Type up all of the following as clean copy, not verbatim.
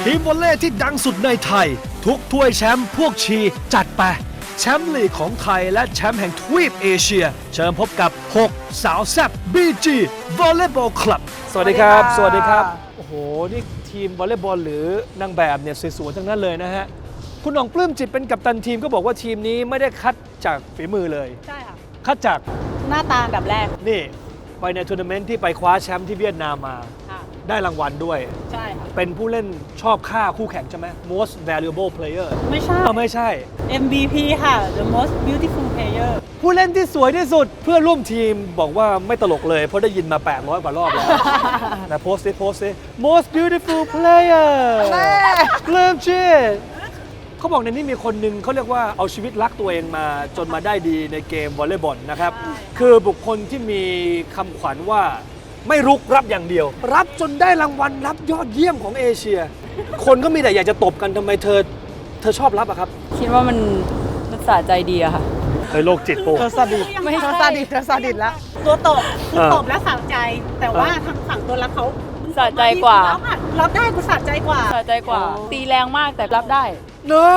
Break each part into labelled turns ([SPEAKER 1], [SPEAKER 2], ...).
[SPEAKER 1] ทีมวอลเลย์ที่ดังสุดในไทย ทุกถ้วยแชมป์พวกชีจัดไปแชมป์ลีกของไทยและแชมป์แห่งทวีปเอเชีย เชิญพบกับ 6 สาวแซ่บ BG Volleyball Club สวัสดีครับ สวัสดีครับ โอ้โห นี่ทีมวอลเลย์บอลหรือนางแบบเนี่ยสวยๆทั้งนั้นเลยนะฮะ คุณหน่องปลื้มจิตเป็นกัปตันทีมก็บอกว่าทีมนี้ไม่ได้คัดจากฝีมือเลย
[SPEAKER 2] ใช่ค่ะ
[SPEAKER 1] คัดจาก
[SPEAKER 2] หน้าตาแบบแรก
[SPEAKER 1] นี่ไปในทัวร์นาเมนต์ที่ไปคว้าแชมป์ที่เวียดนามมา
[SPEAKER 2] ค่ะ
[SPEAKER 1] ได้รางวัลด้วย
[SPEAKER 2] ใช่ค่ะ
[SPEAKER 1] เป็นผู้เล่นชอบฆ่าคู่แข่งใช่ไหม Most Valuable Player
[SPEAKER 2] ไม่ใช่
[SPEAKER 1] ไม่ใช่
[SPEAKER 2] MVP ค่ะ the most beautiful player
[SPEAKER 1] ผู้เล่นที่สวยที่สุดเพื่อนร่วมทีมบอกว่าไม่ตลกเลยเพราะได้ยินมา 800 กว่ารอบแล้ว นะโพสต์ซิ most beautiful player เริ่มชื่อเขาบอกในนี้มีคนหนึ่งเขาเรียกว่าเอาชีวิตรักตัวเองมาจนมาได้ดีในเกมวอลเลย์บอลนะครับ คือบุคคลที่มีคำขวัญว่าไม่รุกรับอย่างเดียว รับจนได้รางวัลรับยอดเยี่ยมของเอเชีย คนก็มีแต่อยากจะตบกันทำไมเธอชอบรับอะครับ
[SPEAKER 3] คิดว่ามันสะใจดีอะค่ะ
[SPEAKER 1] เคยโรคจิตโป
[SPEAKER 4] เธอซาดิส
[SPEAKER 2] ไม่ใช่
[SPEAKER 4] เธอซาดิสเธอซาดิสแล้ว
[SPEAKER 2] ตัวตบคือ
[SPEAKER 1] เออ
[SPEAKER 2] ตบแล้วสะใจ แต่ว่าทางฝั่งตัวรับเขา
[SPEAKER 3] สะใจกว่า
[SPEAKER 2] รับได้กูสะใจกว่า
[SPEAKER 3] สะใจกว่า ตีแรงมากแต่รับได้
[SPEAKER 1] โน้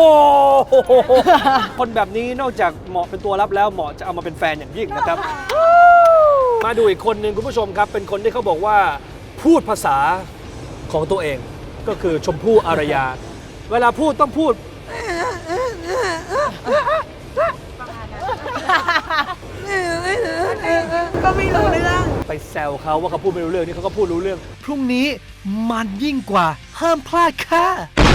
[SPEAKER 1] คนแบบนี้นอกจากเหมาะเป็นตัวรับแล้วเหมาะจะเอามาเป็นแฟนอย่างยิ่งนะครับ มาดูอีกคนหนึ่งคุณผู้ชมครับ เป็นคนที่เขาบอกว่าพูดภาษาของตัวเอง ก็คือชมพู่อารยา เวลาพูดต้องพูด
[SPEAKER 4] ก็ไม่รู้เรื่อง
[SPEAKER 1] ไปแซวเขาว่าเขาพูดไม่รู้เรื่องนี่เขาก็พูดรู้เรื่อง พรุ่งนี้มันยิ่งกว่าห้ามพลาดค่ะ